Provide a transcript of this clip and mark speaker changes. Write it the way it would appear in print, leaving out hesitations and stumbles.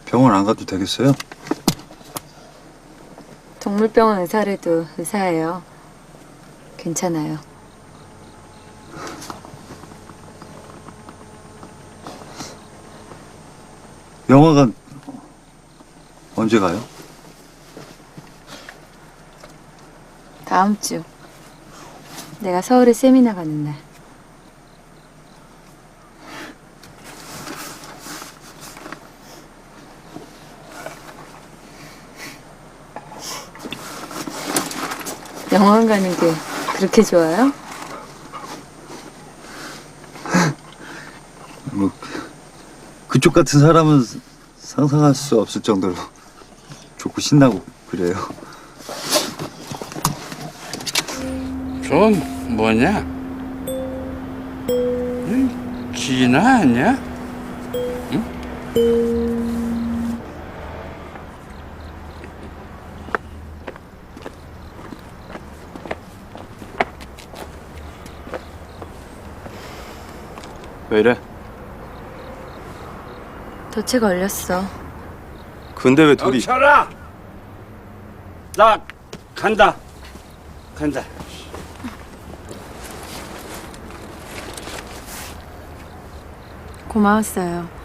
Speaker 1: 병원 안 가도 되겠어요?
Speaker 2: 동물병원 의사래도 의사예요. 괜찮아요.
Speaker 1: 영화관 언제 가요?
Speaker 2: 다음 주. 내가 서울에 세미나 가는 날. 영화관 가는 게 그렇게 좋아요?
Speaker 1: 뭐 그쪽 같은 사람은 상상할 수 없을 정도로 좋고 신나고 그래요.
Speaker 3: 좀 뭐냐? 기나 아니야?
Speaker 4: 왜 이래?
Speaker 2: 덫에 걸렸어.
Speaker 4: 근데 왜 둘이?
Speaker 3: 멈춰라! 나 간다. 간다.
Speaker 2: 고마웠어요.